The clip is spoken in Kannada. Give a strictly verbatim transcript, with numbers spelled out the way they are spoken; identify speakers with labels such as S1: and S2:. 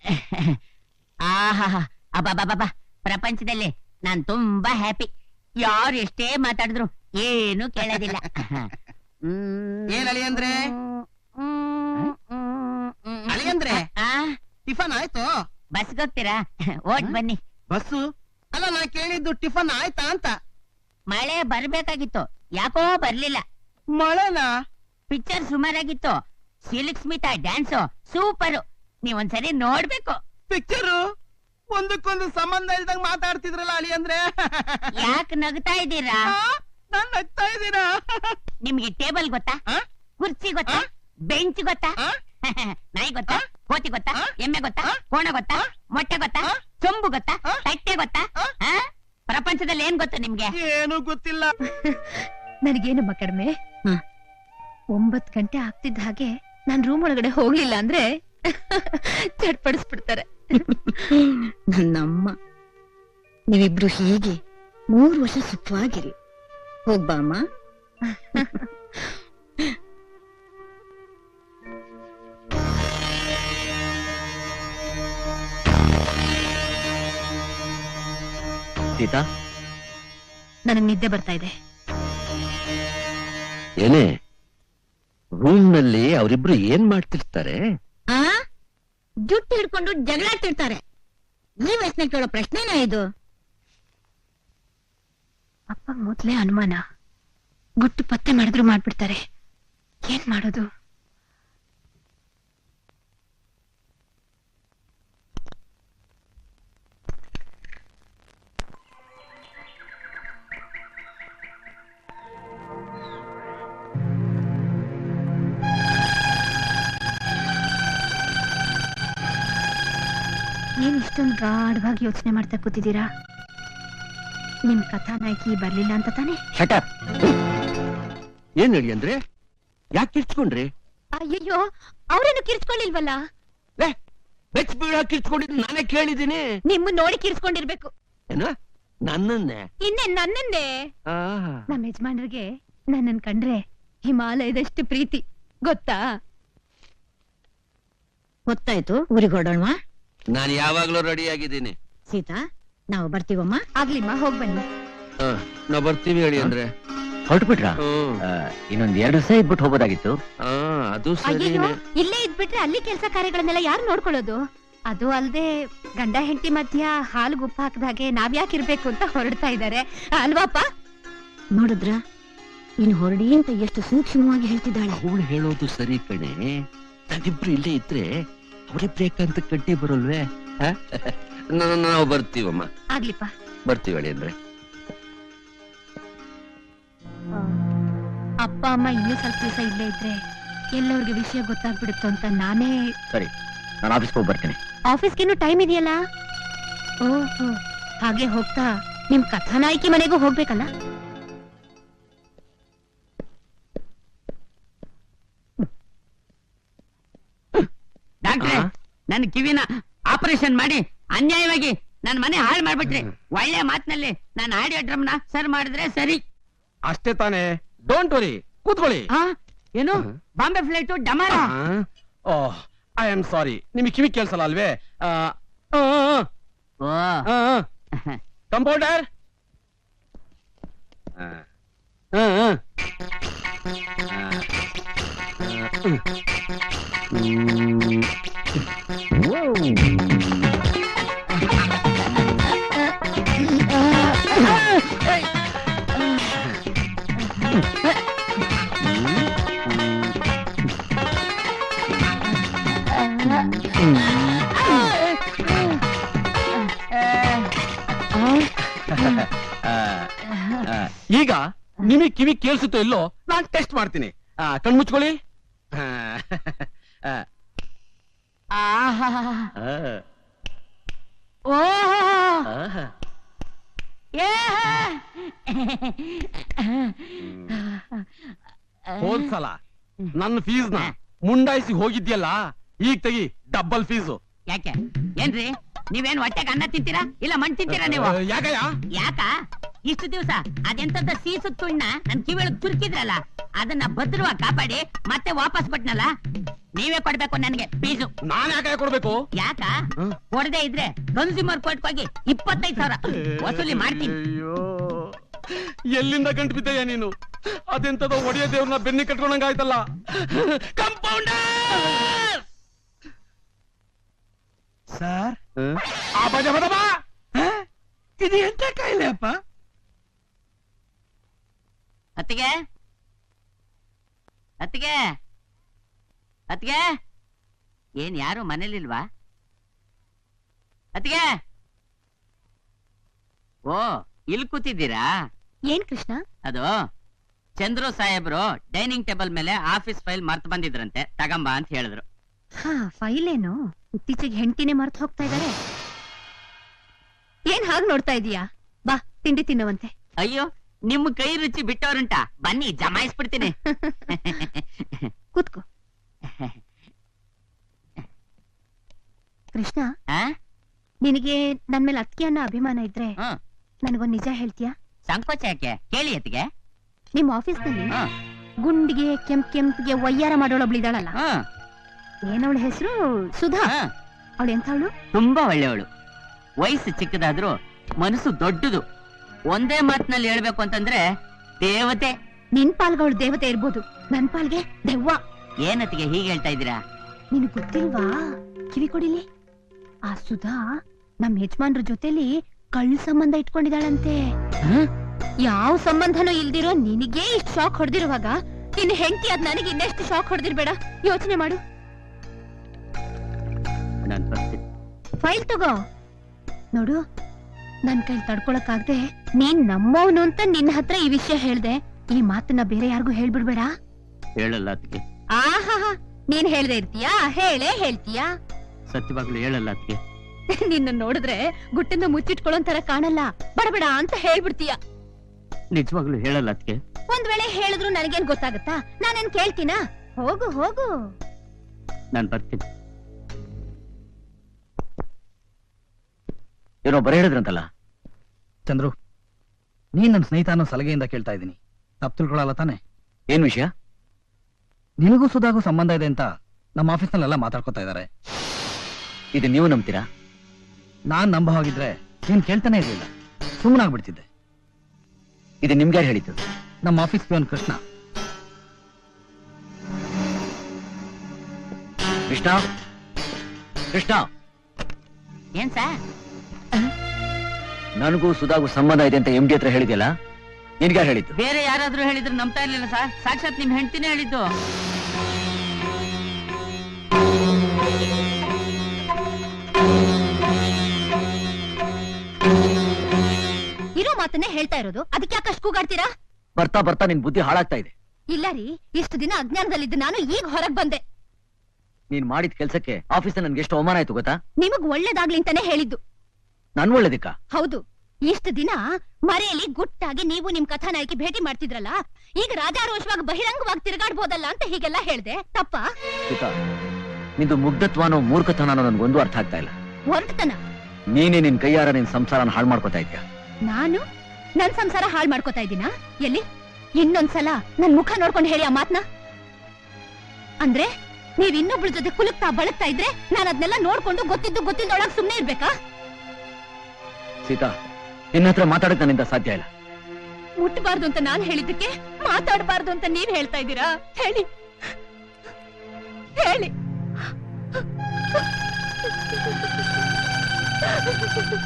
S1: ಆಹಾ ಅಬ್ಬಬ್ಬಬ್ಬ, ಪ್ರಪಂಚದಲ್ಲಿ ನಾನ್ ತುಂಬಾ ಹ್ಯಾಪಿ. ಯಾರು ಎಷ್ಟೇ ಮಾತಾಡಿದ್ರು ಏನು ಕೇಳೋದಿಲ್ಲ.
S2: ಏನ್ ಅಳಿಯಂದ್ರೆ ಅಳಿಯಂದ್ರೆ ಟಿಫನ್ ಆಯ್ತು?
S1: ಬಸ್ಗೆ ಹೋಗ್ತೀರಾ? ಓಟ್ ಬನ್ನಿ.
S2: ಬಸ್ಸು ಅಲ್ಲ, ನಾ ಕೇಳಿದ್ದು ಟಿಫನ್ ಆಯ್ತಾ ಅಂತ.
S1: ಮಳೆ ಬರ್ಬೇಕಾಗಿತ್ತು, ಯಾಕೋ ಬರ್ಲಿಲ್ಲ.
S2: ಮಳೆನಾ?
S1: ಪಿಕ್ಚರ್ ಸುಮಾರಾಗಿತ್ತು. ಸಿಲ್ಕ್ ಸ್ಮಿತಾ ಡ್ಯಾನ್ಸು ಸೂಪರು, ನೀವೊಂದ್ಸರಿ ನೋಡ್ಬೇಕು.
S2: ಪಿಕ್ಚರು ಒಂದಕ್ಕೊಂದು ಸಂಬಂಧ ಇಲ್ದಂಗ್ ಮಾತಾಡ್ತಿದ್ರಲ್ಲ ಅಳಿಯಂದ್ರೆ.
S1: ಯಾಕೆ ನಗ್ತಾ ಇದ್ದೀರಾ?
S2: ನಾನ್ ನಗ್ತಾ ಇದ್ದೀರಾ?
S1: ನಿಮ್ಗೆ ಟೇಬಲ್ ಗೊತ್ತಾ? ಕುರ್ಚಿ ಗೊತ್ತಾ? ಬೆಂಚ್ ಗೊತ್ತಾ? ನಾಯಿ ಗೊತ್ತಾ? ಕೋತಿ ಗೊತ್ತಾ? ಎಮ್ಮೆ ಗೊತ್ತಾ? ಕೋಣ ಗೊತ್ತಾ? ಮೊಟ್ಟೆ ಗೊತ್ತಾ? ಚೊಂಬು ಗೊತ್ತಾ? ತಟ್ಟೆ ಗೊತ್ತಾ? ಪ್ರಪಂಚದಲ್ಲಿ ಏನ್ ಗೊತ್ತು ನಿಮ್ಗೆ?
S2: ಏನು ಗೊತ್ತಿಲ್ಲ.
S3: ನನಗೇನಮ್ಮ ಕಡಿಮೆ. ಒಂಬತ್ ಗಂಟೆ ಆಗ್ತಿದ್ದ ಹಾಗೆ ನಾನ್ ರೂಮ್ ಒಳಗಡೆ ಹೋಗ್ಲಿಲ್ಲ ಅಂದ್ರೆ ಚಟ್ಪಡಿಸ್ಬಿಡ್ತಾರೆ.
S4: ನನ್ನಮ್ಮ, ನೀವಿಬ್ರು ಹೀಗೆ ಮೂರು ವರ್ಷ ಸುಖವಾಗಿರಿ. ಹೋಗ್ಬಾಮ್ಮ.
S5: ಸೀತಾ,
S3: ನನಗ್ ನಿದ್ದೆ ಬರ್ತಾ ಇದೆ.
S5: ಏನೇ ರೂಮ್ ನಲ್ಲಿ ಅವರಿಬ್ರು ಏನ್ ಮಾಡ್ತಿರ್ತಾರೆ?
S4: ಆ ಜುಟ್ಟು ಹಿಡ್ಕೊಂಡು ಜಗಳಾಡ್ತಿರ್ತಾರೆ. ಈ ವಯಸ್ಸಿನ ಕೇಳೋ ಪ್ರಶ್ನೆನಾ ಇದು?
S3: ಅಪ್ಪ ಮೊದ್ಲೇ ಅನುಮಾನ. ಗುಟ್ಟು ಪತ್ತೆ ಮಾಡಿದ್ರು ಮಾಡ್ಬಿಡ್ತಾರೆ. ಏನ್ ಮಾಡೋದು? ಏನ್ ಇಷ್ಟೊಂದು ಗಾಢವಾಗಿ ಯೋಚನೆ ಮಾಡ್ತಾ ಕೂತಿದ್ದೀರಾ? ನಿಮ್ ಕಥಾನಾಯಕಿ ಬರ್ಲಿಲ್ಲ ಅಂತ ತಾನೆ?
S5: ಏನ್ ಹೇಳಿ ಅಂದ್ರೆ ಯಾಕೆ ಕಿರ್ಚ್ಕೊಂಡ್ರಿ?
S3: ಅಯ್ಯಯ್ಯೋ, ಅವ್ರೇನು ಕಿರ್ಚ್ಕೊಳ್ಳಿಲ್ವಲ್ಲ.
S5: ಬೆಚ್ ಬೀಳ ಕಿರ್ಚ್ಕೊಂಡಿದ್ದು ನಾನೇ ಕೇಳಿದ್ದೀನಿ.
S3: ನಿಮ್ಮ ನೋಡಿ ಕಿರ್ಚ್ಕೊಂಡಿರ್ಬೇಕು.
S5: ಏನ ನನ್ನನ್ನೇ?
S3: ಇನ್ನೇ ನನ್ನನ್ನೇ. ನಮ್ಮ ಯಜಮಾನ್ರಿಗೆ ನನ್ನನ್ ಕಂಡ್ರೆ ಹಿಮಾಲಯದಷ್ಟು ಪ್ರೀತಿ, ಗೊತ್ತಾ?
S4: ಗೊತ್ತಾಯ್ತು. ಊರಿಗೆ ಹೊರಡೋಣ.
S5: ನಾನು ಯಾವಾಗ್ಲೂ ರೆಡಿ ಆಗಿದ್ದೀನಿ.
S4: ಸೀತಾ, ನಾವು ಬರ್ತೀವಮ್ಮ.
S3: ಆಗ್ಲಿಮ್ಮ, ಹೋಗ್ ಬನ್ನಿ.
S5: ನಾವ್ ಬರ್ತೀವಿ ಹೇಳಿ ಅಂದ್ರೆ.
S6: ಹೊರಟು ಬಿಟ್ರ? ಇನ್ನೊಂದ್ ಎರಡು ದಿವಸ ಇದ್ಬಿಟ್ಟು ಹೋಗೋದಾಗಿತ್ತು.
S5: ಅದು
S3: ಅಯ್ಯೋ, ಇಲ್ಲೇ ಇದ್ಬಿಟ್ರೆ ಅಲ್ಲಿ ಕೆಲಸ ಕಾರ್ಯಗಳನ್ನೆಲ್ಲ ಯಾರು ನೋಡ್ಕೊಳ್ಳೋದು? ಅದು ಅಲ್ದೆ ಗಂಡ ಹೆಂಡತಿ ಮಧ್ಯ ಹಾಲು ಗುಪ್ಪ ಹಾಕದಾಗೆ ನಾವ್ಯಾಕೆ ಇರ್ಬೇಕು ಅಂತ ಹೊರಡ್ತಾ ಇದ್ದಾರೆ ಅಲ್ವಾಪ?
S4: ನೋಡಿದ್ರ ಇನ್ ಹೊರಡಿ ಅಂತ ಎಷ್ಟು ಸೂಕ್ಷ್ಮವಾಗಿ ಹೇಳ್ತಿದ್ದಾಳೆ.
S5: ಅವಳು ಹೇಳೋದು ಸರಿ ಕಣೆ. ನಾವಿಬ್ರು ಇಲ್ಲೇ ಇದ್ರೆ ಅವರಿಬ್ರೇಕಂತ ಕಡ್ಡಿ ಬರೋಲ್ವೇ? ನಾವು ಬರ್ತೀವಮ್ಮ.
S3: ಆಗ್ಲಿಪ್ಪ,
S5: ಬರ್ತೀವಿ ಹೇಳಿ ಅಂದ್ರೆ.
S3: ಅಪ್ಪ ಅಮ್ಮ ಇನ್ನೂ ಸ್ವಲ್ಪ ದಿವಸ ಇಲ್ಲೇ ಇದ್ರೆ ಎಲ್ಲವ್ರಿಗೆ ವಿಷಯ ಗೊತ್ತಾಗ್ಬಿಡುತ್ತೋ ಅಂತ ನಾನೇ.
S6: ಸರಿ, ನಾನು ಆಫೀಸ್ಗೆ ಹೋಗಿ ಬರ್ತೀನಿ.
S3: ಆಫೀಸ್ಗೇನು ಟೈಮ್ ಇದೆಯಲ್ಲ? ಓಹೋ, ಹಾಗೆ ಹೋಗ್ತಾ ನಿಮ್ ಕಥಾನಾಯಕಿ ಮನೆಗೂ ಹೋಗ್ಬೇಕಲ್ಲ?
S1: ಡಾಕ್ಟ್ರೆ, ನನ್ ಕಿವಿನ ಆಪರೇಷನ್ ಮಾಡಿ ಅನ್ಯಾಯವಾಗಿ ನನ್ ಮನೆ ಹಾಳು ಮಾಡ್ಬಿಟ್ರಿ. ಒಳ್ಳೆ ಮಾತಿನಲ್ಲಿ ನಾನು ಆಡಿಯೋ ಡ್ರಮ್ನ ಸರ್ ಮಾಡಿದ್ರೆ ಸರಿ.
S2: ಅಷ್ಟೇ ತಾನೇ, ಡೋಂಟ್ ವರಿ, ಕೂತ್ಕೊಳ್ಳಿ.
S1: ಏನು ಬಾಂಬೆ ಫ್ಲೈಟ್ ಡಮಾರ?
S2: Oh, I am sorry. ನಿಮಗೆ ಕಿವಿ ಕೇಳಿಸಲ್ಲ ಅಲ್ವೇ? ಕಂಪೌಂಡರ್, ಈಗ ನಿಮಗೆ ಕಿವಿ ಕೇಳಿಸುತ್ತೋ ಇಲ್ಲೋ ನಾನು ಟೆಸ್ಟ್ ಮಾಡ್ತೀನಿ. ಕಣ್ಮುಚ್ಕೊಳ್ಳಿ. ಹೋದ್ಸಲ ನನ್ನ ಫೀಸ್ ನ ಮುಂಡಾಯಿಸಿ ಹೋಗಿದ್ಯಲ್ಲ, ಈಗ ತೆಗಿ ಡಬಲ್ ಫೀಸು.
S1: ಯಾಕೆ ಏನ್ರಿ, ನೀವೇನ್ ಹೊಟ್ಟೆಗೆ ಅನ್ನ ತಿಂತೀರಾ ಇಲ್ಲ ಮಣ್ಣು ತಿಂತೀರಾ ನೀವು?
S2: ಯಾಕಯ್ಯ?
S1: ಯಾಕ ಇಷ್ಟು ದಿವಸ ಅದೆಂತದ ಸೀಸು ತುಣ್ಣ ನನ್ ಕಿವಿಯೊಳಗ್ ತುರ್ಕಿದ್ರಲ್ಲ ಅದನ್ನ ಭದ್ರವಾಗಿ ಕಾಪಾಡಿ ಮತ್ತೆ ವಾಪಸ್ ಕೊಟ್ನಲ್ಲ, ನೀವೇ ಕೊಡ್ಬೇಕು ನನಗೆ ಫೀಸು.
S2: ನಾನ್ ಯಾಕೆ ಕೊಡ್ಬೇಕು?
S1: ಯಾಕ ಕೊಡದೆ ಇದ್ರೆ ಕನ್ಸ್ಯೂಮರ್ ಕೋರ್ಟ್ ಹೋಗಿ ಇಪ್ಪತ್ತೈದು ಸಾವಿರ ವಸೂಲಿ ಮಾಡ್ತೀನಿ.
S2: ಅಯ್ಯೋ, ಎಲ್ಲಿಂದ ಗಂಟು ಬಿದ್ದಯ್ಯ ನೀನು? ಅದೆಂತದೋ ಒಡೆಯ ದೇವ್ರನ್ನ ಬೆನ್ನಿ ಕಟ್ಕೊಂಡಂಗಾಯ್ತಲ್ಲ. ಕಂಪೌಂಡರ್
S7: ಸರ್,
S2: ಆ ಬಜ ಬದ ಬಾ.
S7: ಇದು ಎಂತ ಕಾಯಿಲೆ ಅಪ್ಪ?
S1: ಅತ್ತಿಗೆ ಅತ್ತಿಗೆ ಅತ್ತಿಗೆ, ಏನ್ ಯಾರು ಮನೇಲಿಲ್ವಾ? ಅತ್ತಿಗೆ, ಓ ಇಲ್ಲಿ ಕೂತಿದ್ದೀರಾ?
S3: ಏನ್ ಕೃಷ್ಣ?
S1: ಅದು ಚಂದ್ರು ಸಾಹೇಬ್ರು ಡೈನಿಂಗ್ ಟೇಬಲ್ ಮೇಲೆ ಆಫೀಸ್ ಫೈಲ್ ಮರ್ತ್ ಬಂದಿದ್ರಂತೆ, ತಗಂಬ ಅಂತ ಹೇಳಿದ್ರು.
S3: ಹಾ, ಫೈಲ್ ಏನು? ಇತ್ತೀಚೆಗೆ ಹೆಂಡತಿನೇ ಮರ್ತು ಹೋಗ್ತಾ ಇದಾರೆ. ಏನ್ ಹಾಗೆ ನೋಡ್ತಾ ಇದೀಯಾ? ಬಾ, ತಿಂಡಿ ತಿನ್ನುವಂತೆ.
S1: ಅಯ್ಯೋ, ನಿಮ್ ಕೈ ರುಚಿ ಬಿಟ್ಟವ್ರುಂಟಾ? ಬನ್ನಿ ಜಮಾಯಿಸ್ಬಿಡ್ತೀನಿ.
S3: ಕೂತ್ಕೋ. ಕೃಷ್ಣ,
S1: ಆ?
S3: ನಿನಗೆ ನನ್ ಮೇಲೆ ಅತ್ತಿಗೆ ಅನ್ನೋ ಅಭಿಮಾನ ಇದ್ರೆ
S1: ಹ್ಮ್.
S3: ನನಗೊಂದ್ ನಿಜ ಹೇಳ್ತೀಯಾ?
S1: ಸಂಕೋಚ ಯಾಕೆ? ಕೇಳಿ ಅತ್ತಿಗೆ.
S3: ನಿಮ್ ಆಫೀಸ್ ನಲ್ಲಿ
S1: ಹ್ಮ್.
S3: ಗುಂಡಿಗೆ ಕೆಂಪ್ ಕೆಂಪ್ಗೆ ವಯ್ಯಾರ ಮಾಡೋಳೊಬ್ಳಿದಾಳಲ್ಲ,
S1: ಹ್ಮ್.
S3: ಏನವಳ ಹೆಸರು? ಸುಧಾ.
S1: ಹ್ಮ್.
S3: ಅವಳು ಎಂಥವಳು?
S1: ತುಂಬಾ ಒಳ್ಳೆಯವಳು. ವಯಸ್ಸು ಚಿಕ್ಕದಾದ್ರೂ ಮನಸ್ಸು ದೊಡ್ಡದು. ಒಂದೇ ಮಾತಿನಲ್ಲಿ ಹೇಳ್ಬೇಕು ಅಂತಂದ್ರೆ ದೇವತೆ.
S3: ನಿನ್ ಪಾಲ್ಗೆ ಅವಳು ದೇವತೆ ಇರ್ಬೋದು, ನನ್ ಪಾಲ್ಗೆ ದೆವ್ವ.
S1: ಏನತ್ತಿಗೆ ಹೀಗೆ ಹೇಳ್ತಾ ಇದ್ದೀರಾ?
S3: ನಿನ್ ಗೊತ್ತಿಲ್ವಾ? ಕಿವಿ ಕೊಡಿಲಿ. ಆ ಸುಧಾ ನಮ್ ಯಜಮಾನ್ರ ಜೊತೆಲಿ ಕಳ್ಳ ಸಂಬಂಧ ಇಟ್ಕೊಂಡಿದಾಳಂತೆ. ಯಾವ ಸಂಬಂಧನೂ ಇಲ್ದಿರೋ ನಿನಗೆ ಇಷ್ಟು ಶಾಕ್ ಹೊಡೆದಿರುವಾಗ ನಿನ್ನ ಹೆಂಡತಿ ಅದ್ ನನಗೆ ಇನ್ನೆಷ್ಟು ಶಾಕ್ ಹೊಡೆದಿರ್ಬೇಡ. ಯೋಚನೆ ಮಾಡು.
S1: ನಾನ್ ಬರ್ತೀನಿ.
S3: ಫೈಲ್ ತಗೋ. ನೋಡು, ನನ್ ಕೈಲಿ ತಡ್ಕೊಳಕ್ಕಾಗ್ದೆ ನೀನ್ ನಮ್ಮವನು ಅಂತ ನಿನ್ನ ಹತ್ರ ಈ ವಿಷಯ ಹೇಳ್ದೆ. ಈ ಮಾತನ್ನ ಬೇರೆ ಯಾರಿಗೂ ಹೇಳ್ಬಿಡ್ಬೇಡ.
S1: ಹೇಳಲ್ಲ ಅತ್ತಿಗೆ.
S3: ಆಹಾ, ನೀನ್ ಹೇಳ್ದೆ ಇರ್ತೀಯಾ? ಹೇಳೇ ಹೇಳ್ತೀಯಾ?
S1: ಸತ್ಯವಾಗ್ಲು ಹೇಳಲ್ಲ ಅತ್ತಿಗೆ.
S3: ನಿನ್ನ ನೋಡಿದ್ರೆ ಗುಟ್ಟಿಂದ ಮುಚ್ಚಿಟ್ಕೊಳ್ಳೋಂತರ ಕಾಣಲ್ಲ. ಬಡಬೇಡ ಅಂತ ಹೇಳ್ಬಿಡ್ತೀಯ.
S1: ನಿಜವಾಗ್ಲು ಹೇಳಲ್ಲ ಅತ್ತಿಗೆ.
S3: ಒಂದ್ ವೇಳೆ ಹೇಳಿದ್ರು ನನಗೇನ್ ಗೊತ್ತಾಗತ್ತಾ? ನಾನೇನ್ ಕೇಳ್ತೀನಾ? ಹೋಗು ಹೋಗು.
S1: ನಾನ್ ಬರ್ತೀನಿ.
S6: ಏನೋ ಬರ ಹೇಳಿದ್ರಂತಲ್ಲ.
S7: ಚಂದ್ರು, ನೀನ್ ನನ್ನ ಸ್ನೇಹಿತ ಅನ್ನೋ ಸಲಹೆಯಿಂದ ಕೇಳ್ತಾ ಇದ್ದೀನಿ. ತಪ್ಪು ತಿಳ್ಕೊಳಲ್ಲ ತಾನೆ?
S6: ಏನ್ ವಿಷಯ?
S7: ನಿನಗೂ ಸುಧಾಗೂ ಸಂಬಂಧ ಇದೆ ಅಂತ ನಮ್ಮ ಆಫೀಸ್ನಲ್ಲೆಲ್ಲ ಮಾತಾಡ್ಕೊತಾ ಇದ್ದಾರೆ.
S6: ಇದು ನೀವು ನಂಬ್ತೀರಾ?
S7: ನಾನ್ ನಂಬ ಹೋಗಿದ್ರೆ ನೀನ್ ಕೇಳ್ತಾನೆ ಇರ್ಲಿಲ್ಲ, ಸುಮ್ಮನಾಗ್ಬಿಡ್ತಿದ್ದೆ.
S6: ಇದು ನಿಮ್ಗೆ ಯಾರು ಹೇಳಿದ್ದು?
S7: ನಮ್ಮ ಆಫೀಸ್ ಪಿಯೋನ್ ಕೃಷ್ಣ.
S6: ಕೃಷ್ಣ, ಕೃಷ್ಣ,
S1: ಏನ್ ಸರ್?
S6: ನನಗೂ ಸುಧಾಗೂ ಸಂಬಂಧ ಇದೆ ಅಂತ ಎಂ ಡಿ ಹತ್ರ ಹೇಳಿದ್ಯಲ್ಲ, ನಿನ್ಗೆ ಯಾರು ಹೇಳಿದ್ದು?
S1: ಬೇರೆ ಯಾರಾದ್ರೂ ಹೇಳಿದ್ರು ನಂಬ್ತಾ ಇರ್ಲಿಲ್ಲ ಸರ್. ಸಾಕ್ಷಾತ್ ನಿಮ್ ಹೆಂಡ್ತಿನೇ ಹೇಳಿದ್ದು.
S3: ಇರೋ ಮಾತನ್ನೇ ಹೇಳ್ತಾ ಇರೋದು, ಅದಕ್ಕೆ ಯಾಕೆ ಅಷ್ಟು ಕೂಗಾಡ್ತೀರಾ?
S6: ಬರ್ತಾ ಬರ್ತಾ ನಿನ್ ಬುದ್ಧಿ ಹಾಳಾಗ್ತಾ ಇದೆ.
S3: ಇಲ್ಲ ರೀ, ಇಷ್ಟು ದಿನ ಅಜ್ಞಾನದಲ್ಲಿದ್ದು ನಾನು ಈಗ ಹೊರಗ್ ಬಂದೆ.
S6: ನೀನ್ ಮಾಡಿದ ಕೆಲ್ಸಕ್ಕೆ ಆಫೀಸ್ ನನ್ಗೆ ಎಷ್ಟು ಅವಮಾನ ಆಯ್ತು ಗೊತ್ತಾ?
S3: ನಿಮಗ್ ಒಳ್ಳೇದಾಗ್ಲಿ ಅಂತಾನೆ ಹೇಳಿದ್ದು.
S6: ನನ್ ಒಳ್ಳೇದಿಕ್ಕ?
S3: ಹೌದು. ಇಷ್ಟು ದಿನ ಮರೆಯಲ್ಲಿ ಗುಟ್ಟಾಗಿ ನೀವು ನಿಮ್ ಕಥಾನಾಯಕಿ ಭೇಟಿ ಮಾಡ್ತಿದ್ರಲ್ಲ, ಈಗ ರಾಜಾರೋಷವಾಗಿ ಬಹಿರಂಗವಾಗಿ ತಿರುಗಾಡ್ಬೋದಲ್ಲ ಅಂತ ಹೀಗೆಲ್ಲ ಹೇಳ್ದೆ. ತಪ್ಪಾ?
S6: ಸೀತಾ, ನಿಂದು ಮುಗ್ಧತ್ವನೋ ಮೂರ್ಖತನೋ ನನ್ಗೊಂದು ಅರ್ಥ ಆಗ್ತಾ ಇಲ್ಲ.
S3: ಹೊರಟತನ.
S6: ನೀನೇ ನಿನ್ ಕೈಯಾರ ನಿನ್ ಸಂಸಾರನ ಹಾಳು ಮಾಡ್ಕೊತಾ ಇದ್ಯಾ.
S3: ನಾನು ನನ್ ಸಂಸಾರ ಹಾಳು ಮಾಡ್ಕೋತಾ ಇದ್ದೀನಾ? ಎಲ್ಲಿ? ಇನ್ನೊಂದ್ಸಲ ನನ್ ಮುಖ ನೋಡ್ಕೊಂಡು ಹೇಳಿ ಆ ಮಾತ್ನ. ಅಂದ್ರೆ ನೀವ್ ಇನ್ನೊಬ್ಳ ಜೊತೆ ಕುಲುಕ್ತಾ ಬಳಕ್ತಾ ಇದ್ರೆ ನಾನು ಅದನ್ನೆಲ್ಲ ನೋಡ್ಕೊಂಡು ಗೊತ್ತಿದ್ದು ಗೊತ್ತಿದ್ದೊಳಗ್ ಸುಮ್ನೆ ಇರ್ಬೇಕಾ?
S6: ಸೀತಾ, ನಿನ್ನ ಹತ್ರ ಮಾತಾಡಕ್ ನನ್ನಿಂದ ಸಾಧ್ಯ ಇಲ್ಲ.
S3: ಮುಟ್ಬಾರ್ದು ಅಂತ ನಾನ್ ಹೇಳಿದ್ದಕ್ಕೆ ಮಾತಾಡಬಾರ್ದು ಅಂತ ನೀವ್ ಹೇಳ್ತಾ ಇದ್ದೀರಾ? ಹೇಳಿ ಹೇಳಿ.